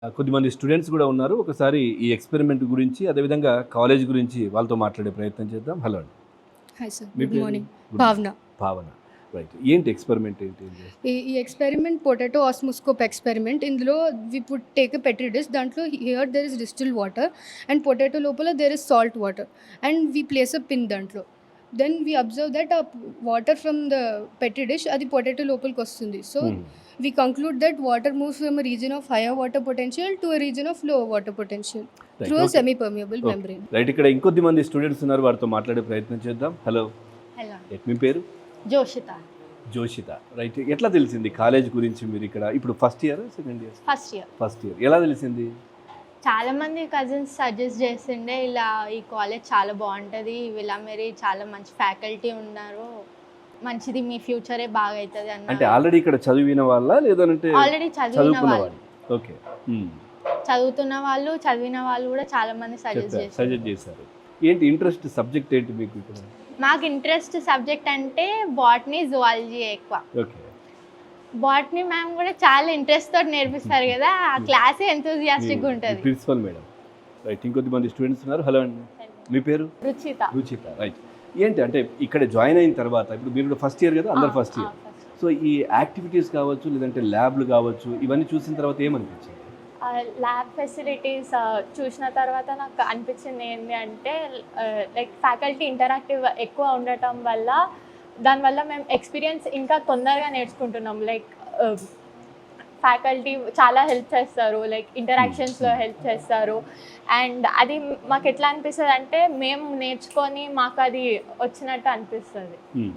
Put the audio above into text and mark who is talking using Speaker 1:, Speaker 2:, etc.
Speaker 1: కొద్దిమంది స్టూడెంట్స్ కూడా ఉన్నారు. ఒకసారి ఈ ఎక్స్పెరిమెంట్ గురించి, అదేవిధంగా కాలేజ్ గురించి వాళ్ళతో మాట్లాడే ప్రయత్నం చేద్దాం. హలో అండి.
Speaker 2: హాయ్ సార్,
Speaker 1: మీ
Speaker 2: గుడ్
Speaker 1: పేరు?
Speaker 2: Morning.
Speaker 1: Good
Speaker 2: Bhavana.
Speaker 1: Bhavana. Right. ఏంటి ఎక్స్పెరిమెంట్ ఏంటి ఇది?
Speaker 2: ఈ ఎక్స్పెరిమెంట్ పొటాటో ఆస్మోస్కోప్ ఎక్స్పెరిమెంట్. ఇందులో we put take a petri dish. దాంట్లో here there is distil water and potato లోపల there is salt water and we place a pin దాంట్లో. Then we observe that ah water from the petri dish అది potato లోపలికి వస్తుంది. So we conclude that water moves from a region of higher water potential to a region of lower water potential through a semi-permeable membrane.
Speaker 1: Right. ఇక్కడ ఇంకొద్ది మంది students ఉన్నారు. వారితో మాట్లాడే ప్రయత్నం చేద్దాం. హలో.
Speaker 3: హలో,
Speaker 1: మీ పేరు?
Speaker 3: జోషిత.
Speaker 1: జోషిత. రైట్. ఎట్లా తెలిసింది కాలేజ్ గురించి? మీరు ఇక్కడ ఇప్పుడు first year, second year?
Speaker 3: First year.
Speaker 1: First year. ఎలా తెలిసింది?
Speaker 3: చాలా మంది కజిన్స్ సజెస్ట్ చేసిండే, ఇలా ఈ కాలేజ్ చాలా బాగుంటుంది, ఇలా మీరు చాలా మంచి ఫ్యాకల్టీ ఉన్నారు, మంచిది, మీ ఫ్యూచరే బాగా అవుతుంది
Speaker 1: అంటే
Speaker 3: అన్న.
Speaker 1: ఆల్రెడీ ఇక్కడ చదివిన వాళ్ళ, లేదంటే
Speaker 3: ఆల్రెడీ చదివిన
Speaker 1: చదువుకున్న
Speaker 3: వాళ్ళు,
Speaker 1: వాళ్ళు? ఓకే.
Speaker 3: చదువుతున్న వాళ్ళు, చదివిన వాళ్ళు కూడా చాలా మంది సజెస్ట్ చేశారు.
Speaker 1: సజెస్ట్ చేశారు. ఏంటి ఇంట్రెస్ట్ సబ్జెక్ట్ ఏంటి మీకు ఇక్కడ?
Speaker 3: మాకు ఇంట్రెస్ట్ సబ్జెక్ట్ అంటే బాటనీ, జువాలజీ ఎక్కువ.
Speaker 1: ఓకే.
Speaker 3: బాటనీ మ్యామ్ కూడా చాలా ఇంట్రెస్ట్ తోటి నేర్పిస్తారు కదా, ఆ క్లాసే ఎంతూజియాస్టిక్గా ఉంటుంది.
Speaker 1: Principal madam. రైట్. ఇంకొద్ది మంది స్టూడెంట్స్ ఉన్నారు. హలో అండి. మీ పేరు?
Speaker 3: రుచిత.
Speaker 1: రుచిత. రైట్. ఏంటి అంటే ఇక్కడ జాయిన్ అయిన తర్వాత, ఇప్పుడు మీరు కూడా ఫస్ట్ ఇయర్ కదా, అందరు ఫస్ట్ ఇయర్. సో ఈ యాక్టివిటీస్ కావచ్చు, లేదంటే ల్యాబ్లు కావచ్చు, ఇవన్నీ చూసిన తర్వాత ఏమనిపించింది?
Speaker 4: ల్యాబ్ ఫెసిలిటీస్ చూసిన తర్వాత నాకు అనిపించింది ఏంటి అంటే, లైక్ ఫ్యాకల్టీ ఇంటరాక్టివ్ ఎక్కువ ఉండటం వల్ల, దానివల్ల మేము ఎక్స్పీరియన్స్ ఇంకా తొందరగా నేర్చుకుంటున్నాం. లైక్ ఫ్యాకల్టీ చాలా హెల్ప్ చేస్తారు, లైక్ ఇంటరాక్షన్స్లో హెల్ప్ చేస్తారు. అండ్ అది మాకు ఎట్లా అనిపిస్తుంది అంటే, మేము నేర్చుకొని మాకు అది వచ్చినట్టు అనిపిస్తుంది.